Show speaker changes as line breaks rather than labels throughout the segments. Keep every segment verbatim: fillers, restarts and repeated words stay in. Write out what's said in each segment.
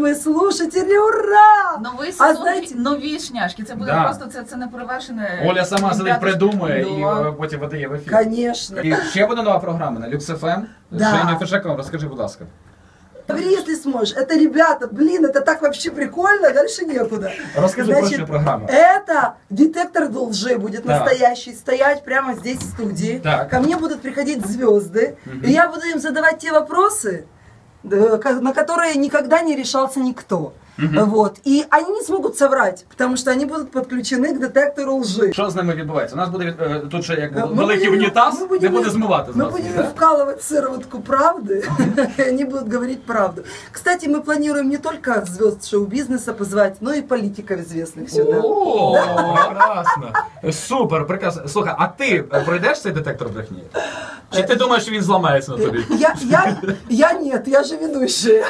мои слушатели, ура!
Новий сезон,
А знаєте-
нові шняшки. Це буде
Да.
просто, це, це не перевершене.
Оля сама сидить,
Ребята,
придумує і
да.
е, потім видає в ефір.
Конечно.
І ще буде нова програма на Люкс еф ем.
Да.
Женя Фешекова, розкажи, будь ласка.
Говори, если сможешь. Это, ребята, блин, это так вообще прикольно, дальше некуда.
Расскажи про что программа.
Это детектор лжи будет
Так.
настоящий, стоять прямо здесь в студии.
Так.
Ко мне будут приходить звезды,
Мгм.
и я буду им задавать те вопросы, да, ка- на которые никогда не решался никто.
Мгм.
Вот. И они не смогут соврать, потому что они будут подключены к детектору лжи.
Що з ними відбувається? У нас буде е, тут ще як
Ми
великий
будемо-
унітаз,
ми будемо-
не буде змивати з
Мы
вас.
будем
да?
вкалывать сыроватку правды, и они будут говорить правду. Кстати, мы планируем не только звезд шоу-бизнеса позвать, но и политиков известных сюда.
О, прекрасно. Супер, прекрасно. Слухай, а ти пройдеш цей детектор брехні? Чи ти думаєш, що він зламається на тобі?
Я, я, я нет, я же ведущая.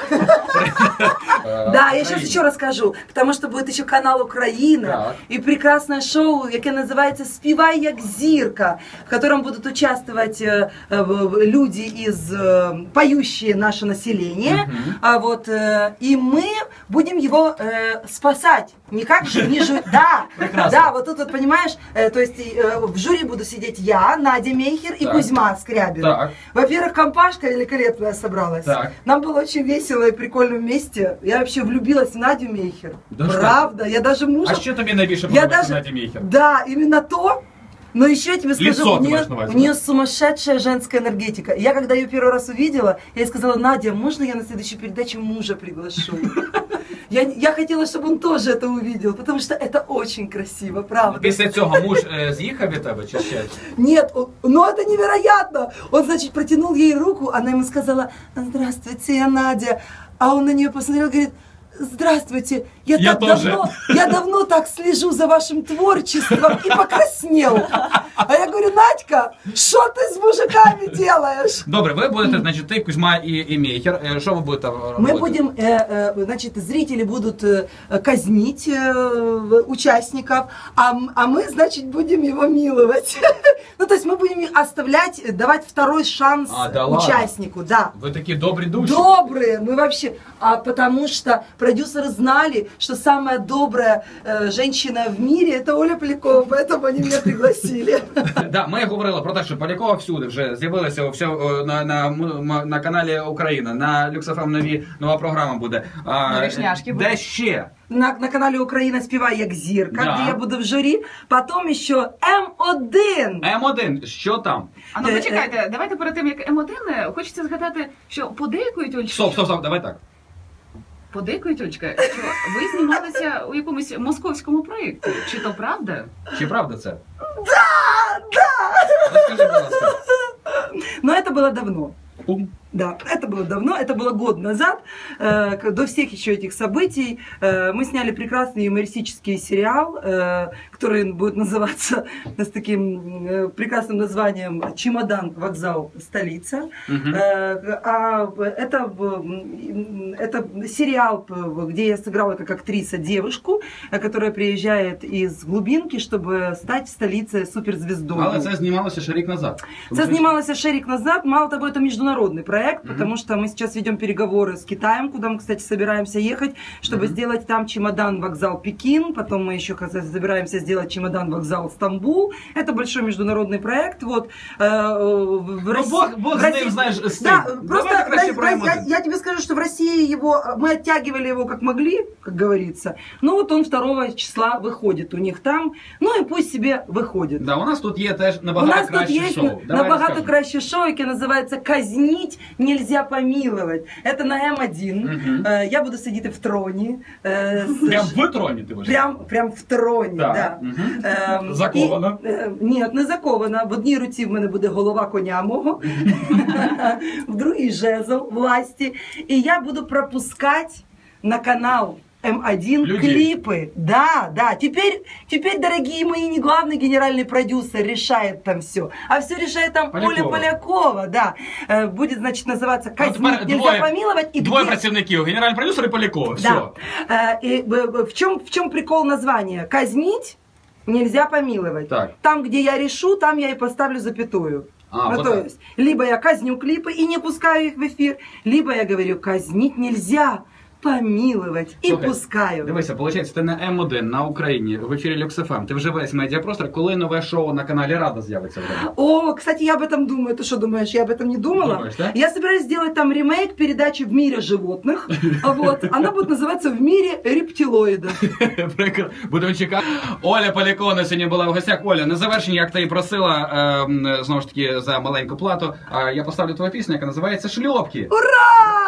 Да, я сейчас еще расскажу, потому что будет еще канал Украина
Так.
и прекрасное шоу, яке называется «Співай як зірка», в котором будут участвовать э, э, люди из э, поющие наше население,
Мгм.
а вот э, и мы будем его э, спасать. Никак же не жу... Да,
Прекрасно.
да, вот тут вот понимаешь, э, то есть э, в жюри буду сидеть я, Надя Мейхер и
Так.
Кузьма Скрябин.
Так.
Во-первых, компашка великолепная собралась.
Так.
Нам было очень весело и прикольно вместе. Я вообще влюбилась в Надю Мейхер.
Да что
Правда, я даже мужа...
А що тобі найбільше
я
подобається
даже...
Наді Мейхер?
Да, именно то. Но еще я тебе скажу,
Лицо
у
ты
нее,
маешь на увазі,
у нее
да?
сумасшедшая женская энергетика. Я когда ее первый раз увидела, я ей сказала: Надя, можно я на следующую передачу мужа приглашу? Я, я хотела, чтобы он тоже это увидел, потому что это очень красиво, правда.
Після цього муж е, з'їхав від тебе чи ще?
Нет, он- но это невероятно. Он, значит, протянул ей руку, она ему сказала: здравствуйте, я Надя. А он на нее посмотрел и говорит: здравствуйте, я,
Я
так
тоже.
давно, я давно так слежу за вашим творчеством и покраснел. А я говорю: Надька, что ты с мужиками делаешь?
Добре, ви будете, значить, ти, Кузьма і, і Мейхер. Е, Що ви будете робити?
Мы будем, э, э, значит, зрители будут э, казнить э, участников, а, м- а мы, значит, будем его миловать. Ну, то есть мы будем оставлять, давать второй шанс
А, да ладно?
участнику, да.
Ви такі добрі душі.
Добрые, мы вообще, а потому что продюсеры знали, что самая добрая э, женщина в мире — это Оля Полякова, поэтому они меня пригласили.
Да, ми говорили про те, що Полякова всюди вже з'явилася все, на, на, м- на каналі Україна, на Люкс еф ем нові, нова програма буде. А,
Нові шняшки
де
будуть.
ще?
На, на канале Украина «Співай як зірка»,
Да.
где я буду в жюри. Потом еще эм один.
ем один, що там?
А ну
Е,
почекайте, давайте перед тим, як М один, хочеться згадати, що подейкують, Олечка,
Стоп, стоп, стоп, давай так.
подейкують, Олечка, що ви знімалися у якомусь московському проєкті. Чи то правда?
Чи правда це?
Да, да.
Розкажи, будь ласка.
Но это было давно.
Пум.
Да, это было давно, это было год назад, э, к- до всех еще этих событий. Э, мы сняли прекрасный юмористический сериал, э, который будет называться с таким э, прекрасным названием «Чемодан, вокзал, столица».
Мгм.
Э, а это, м, это сериал, п- где я сыграла как актриса девушку, э, которая приезжает из глубинки, чтобы стать в столице суперзвездой.
Але це знімалося ще рік назад.
Это снималось ще рік назад. Мало того, это международный проект,
Мгм.
потому что мы сейчас ведем переговоры с Китаем, куда мы, кстати, собираемся ехать, чтобы
Мгм.
сделать там чемодан, вокзал Пекин. Потом мы еще кстати, собираемся сделать чемодан, вокзал Стамбул. Это большой международный проект. Вот, э, в
Ну,
России-
Бог, Бог
в
з
России-
ним, знаєш, з
Да,
цим.
просто
Давайте краще
в-
про ем
я,
один.
я тебе скажу, что в России его, мы оттягивали его как могли, как говорится. Ну вот он второго числа выходит у них там. Ну и пусть себе выходит.
Да, у нас тут є теж
У
набагато
нас тут
краще
есть
шоу. Давай
набагато
розкажемо.
краще шоу, яке називається «Казнить нельзя помиловать». Это на эм один.
Мгм.
Е, Я буду сидіти в троні. е, з-
Прям в троні ти вже?
Прям, прям в троні,
Так.
да.
Мгм.
Ем,
Закована?
І, е, ні, не закована. В одній руці в мене буде голова коня мого, в другій жезл власті. І я буду пропускати на канал эм один
Людей.
клипы. Да, да. Теперь, теперь, дорогие мои, не главный генеральный продюсер решает там все, а все решает там
Полякова.
Оля Полякова, да. Э, Будет, значит, называться
Ну,
«Казнить
тепер
нельзя
двоє-
помиловать». И
Двоє
где-
працівників, генеральний продюсер і Полякова. Все.
Да. Э, И э, в чем, в чем прикол названия? «Казнить нельзя помиловать».
Так.
Там, где я решу, там я и поставлю запятую.
А,
Ну,
вот
то
так.
есть, либо я казню клипы и не пускаю их в эфир, либо я говорю: казнить нельзя. помиловать. И
Слухай,
пускаю.
Дивися, виходить, ти на М один на Україні в ефірі Люкс еф ем. Ти вже весь медіапростор. Коли нове шоу на каналі Рада з'явиться?
О, кстати, я об этом думаю. Ты что думаешь, я об этом не думала?
Думаешь, да?
Я собираюсь сделать там ремейк передачи «В мире животных». Вот. Она будет называться «В мире рептилоидов».
Прикро. Будемо чекати. Оля Полякова сьогодні була в гостях. Оля, на завершення, як ти і просила, е, знову ж таки, за маленьку плату, е, я поставлю твою пісню, яка називається «Шльопки».
Ура!